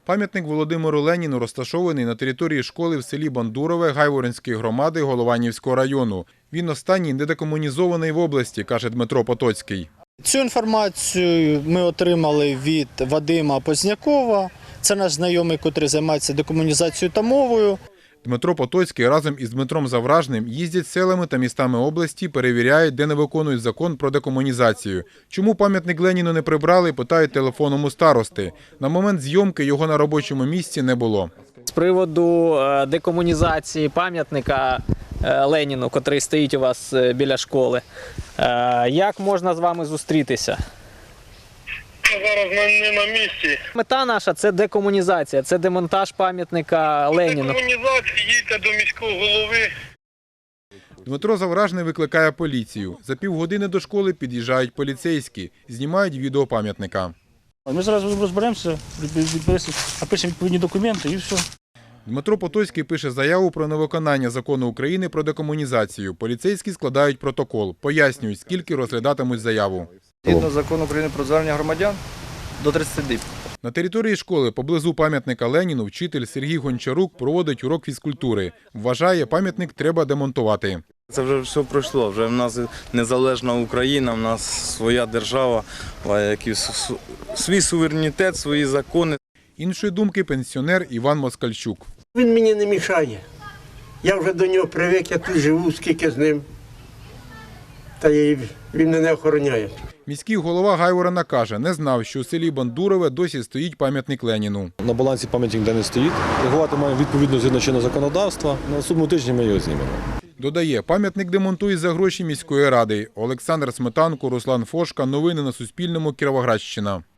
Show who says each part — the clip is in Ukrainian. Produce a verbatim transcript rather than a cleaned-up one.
Speaker 1: Пам'ятник Володимиру Леніну розташований на території школи в селі Бандурове Гайворонської громади Голованівського району. Він останній недекомунізований в області, каже Дмитро Потоцький.
Speaker 2: Цю інформацію ми отримали від Вадима Познякова. Це наш знайомий, який займається декомунізацією та мовою.
Speaker 1: Дмитро Потоцький разом із Дмитром Завражним їздять селами та містами області, перевіряють, де не виконують закон про декомунізацію. Чому пам'ятник Леніну не прибрали, питають телефоном у старости. На момент зйомки його на робочому місці не було.
Speaker 3: З приводу декомунізації пам'ятника Леніну, який стоїть у вас біля школи, як можна з вами зустрітися?
Speaker 4: Зараз не на місці.
Speaker 3: Мета наша – це декомунізація, це демонтаж пам'ятника Леніну.
Speaker 4: Декомунізація, їдьте до міського голови.
Speaker 1: Дмитро Завражний викликає поліцію. За півгодини до школи під'їжджають поліцейські, знімають відео пам'ятника.
Speaker 5: Ми зараз розберемося, напишемо відповідні документи і все.
Speaker 1: Дмитро Потоцький пише заяву про невиконання закону України про декомунізацію. Поліцейські складають протокол, пояснюють, скільки розглядатимуть заяву.
Speaker 6: Згідно закону України про звернення громадян, до тридцяти діб.
Speaker 1: На території школи поблизу пам'ятника Леніну вчитель Сергій Гончарук проводить урок фізкультури. Вважає, пам'ятник треба демонтувати.
Speaker 7: Це вже все пройшло, вже в нас незалежна Україна, в нас своя держава, свій суверенітет, свої закони.
Speaker 1: Іншої думки пенсіонер Іван Москальчук.
Speaker 8: Він мені не мішає. Я вже до нього привик, я тут живу, скільки з ним. Та він мене охороняє.
Speaker 1: Міський голова Гайворона каже, не знав, що у селі Бандурове досі стоїть пам'ятник Леніну.
Speaker 9: На балансі пам'ятник де не стоїть. Реагувати маємо відповідно згідно чинного законодавства. На наступному тижні ми його знімемо.
Speaker 1: Додає, пам'ятник демонтують за гроші міської ради. Олександр Сметанко, Руслан Фошка. Новини на Суспільному. Кіровоградщина.